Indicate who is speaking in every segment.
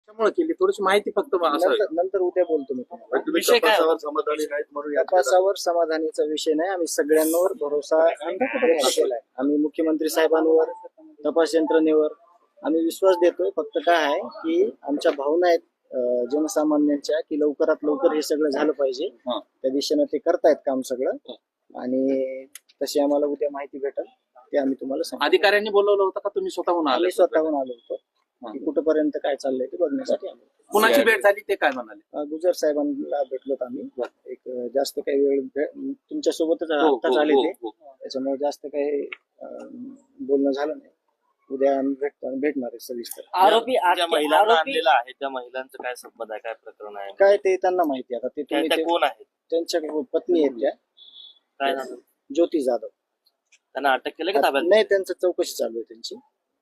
Speaker 1: त्यामुळे केली थोडीशी माहिती फक्त असावी.
Speaker 2: नंतर उद्या बोलतो मी तुम्हाला.
Speaker 3: पण तुम्ही
Speaker 1: विषय काय?
Speaker 3: तपासावर समाधानी नाहीत म्हणून याचिका
Speaker 2: तपासावर समाधानीचा विषय नाही. आम्ही सगळ्यांवर भरोसा व्यक्त केलाय. आम्ही मुख्यमंत्री साहेबांवर, तपास यंत्रणेवर आम्ही विश्वास देतोय. फक्त काय आहे की आमच्या भावना आहेत जनसामान्यांच्या की लवकरात लवकर हे सगळं झालं पाहिजे. त्या दिशेनं ते करतायत काम सगळं आणि तशी आम्हाला उद्या माहिती भेटेल ते आम्ही तुम्हाला सांगू.
Speaker 1: अधिकाऱ्यांनी बोलवलं होतं का तुम्ही स्वतःहून आले?
Speaker 2: आम्ही स्वतःहून आलो होतो की कुठपर्यंत काय चाललंय ते बघण्यासाठी आलो.
Speaker 1: कुणाची भेट झाली ते काय म्हणाले?
Speaker 2: गुजर साहेबांना भेटलोत आम्ही. एक जास्त काही वेळ तुमच्या सोबतच आत्ताच आले ते, त्याच्यामुळे जास्त काही बोलणं झालं नाही. उद्या आम्ही भेटणार आहे सविस्तर.
Speaker 4: आरोपी ज्या महिलांना आणलेला आहे त्या महिलांचं काय संबंध आहे, काय प्रकरण आहे,
Speaker 2: काय ते त्यांना माहिती. आता ते तुम्ही
Speaker 4: त्या कोण आहेत,
Speaker 2: त्यांच्या पत्नी आहेत त्या
Speaker 4: काय झालं,
Speaker 2: ज्योती जाधव.
Speaker 4: त्यांना अटक केलं का ताब्यात?
Speaker 2: नाही, त्यांचं चौकशी चालू आहे त्यांची.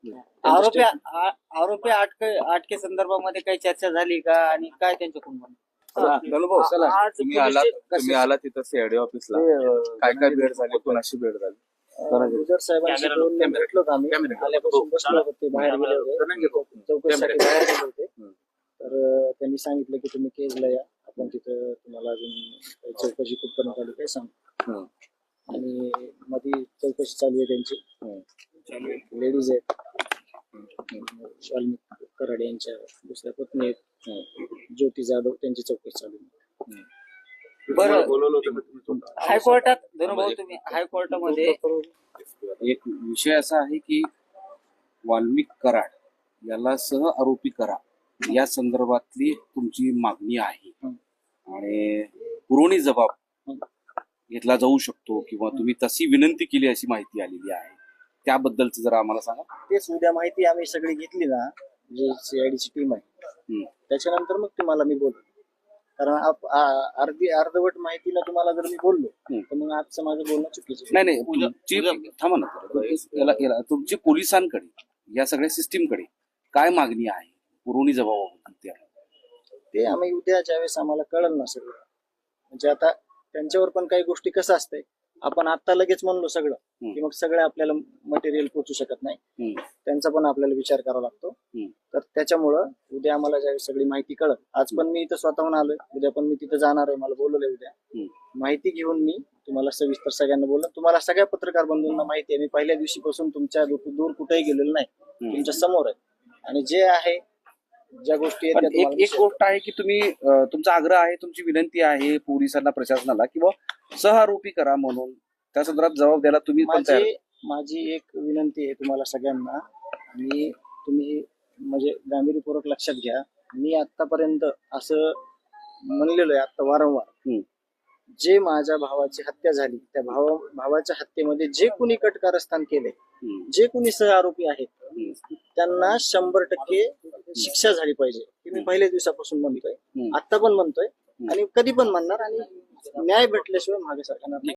Speaker 4: आरोपी अटके संदर्भामध्ये काही चर्चा झाली का आणि काय त्यांच्याकडून
Speaker 5: भाऊ चला, तुम्ही आला तिथं सीआयडी ऑफिसला, काय काय भेट झाली, कोणाशी भेट झाली?
Speaker 2: गुजर साहेबांशी बोलून भेटलो आम्ही. आल्यापासून बसलो होतो, ते बाहेर गेले होते चौकशीसाठी बाहेर गेले होते. तर त्यांनी सांगितलं की तुम्ही केजला या, आपण तिथं तुम्हाला अजून चौकशी कुठपर्यंत आली काय सांग. आणि मध्ये चौकशी चालू आहे त्यांची. लेडीज आहेत, वाल्मिक कराड यांच्या दुसऱ्या पत्नी आहेत ज्योती जाधव, त्यांची चौकशी चालू आहे.
Speaker 4: बरं,
Speaker 3: बोलवलं होतं का तुम्ही स्वतः?
Speaker 4: हायकोर्टात धनुभाऊ तुम्ही हायकोर्टामध्ये
Speaker 5: एक विषय असा आहे की वाल्मिक कराड याला सह आरोपी करा या संदर्भातली तुमची मागणी आहे आणि पुरवणी जबाब घेतला जाऊ शकतो किंवा तुम्ही तशी विनंती केली अशी माहिती आलेली आहे. त्याबद्दलच जरा आम्हाला सांगा.
Speaker 2: तेच उद्या माहिती आम्ही सगळी घेतली ना, जी सीआयडीची टीम आहे, त्याच्यानंतर मग तुम्हाला मी बोलतो. कारण अर्धवट माहितीला तुम्हाला जर मी बोललो तर मग आजचं माझं बोलणं चुकीचं.
Speaker 5: नाही तुमची थांबा ना, तुमची पोलिसांकडे या सगळ्या सिस्टीमकडे काय मागणी आहे पुरवणी जबाबाबद्दल?
Speaker 2: ते आम्ही उद्या ज्यावेळेस आम्हाला कळलं ना सगळं, म्हणजे आता त्यांच्यावर पण काही गोष्टी कसं असतंय, आपण आता लगेच म्हणलो सगळं की मग सगळं आपल्याला मटेरियल पोहोचू शकत नाही. त्यांचा पण आपल्याला विचार करावा लागतो. तर त्याच्यामुळं उद्या आम्हाला ज्यावेळेस सगळी माहिती कळत, आज पण मी इथं स्वतःहून आलोय, उद्या पण मी तिथं जाणार आहे, मला बोलवलंय उद्या. माहिती घेऊन मी तुम्हाला सविस्तर सगळ्यांना बोललो. तुम्हाला सगळ्या पत्रकार बंधूंना माहिती आहे, मी पहिल्या दिवशीपासून तुमच्या दूर कुठेही गेलेलो नाही, तुमच्या समोर आहे. आणि जे आहे ज्या गोष्टी आहेत
Speaker 5: एक गोष्ट आहे की तुम्ही तुमचा आग्रह आहे, तुमची विनंती आहे पोलिसांना, प्रशासनाला किंवा सहआरोपी करा म्हणून, त्या संदर्भात जबाब द्यायला तुम्ही पण तयार?
Speaker 2: माझी एक विनंती आहे तुम्हाला सगळ्यांना, आणि तुम्ही म्हणजे गांभीर्यपूर्वक लक्षात घ्या. मी आतापर्यंत असं म्हणलेलो आहे आता वारंवार, जे माझ्या भावाची हत्या झाली त्या भावाच्या हत्येमध्ये जे कुणी कटकारस्थान केले, जे कुणी सहआरोपी आहेत, त्यांना 100% शिक्षा झाली पाहिजे. हे मी पहिल्या दिवसापासून म्हणतोय, आता पण म्हणतोय आणि कधी पण म्हणणार. आणि न्याय भेटल्याशिवाय मागे सरकार नाही.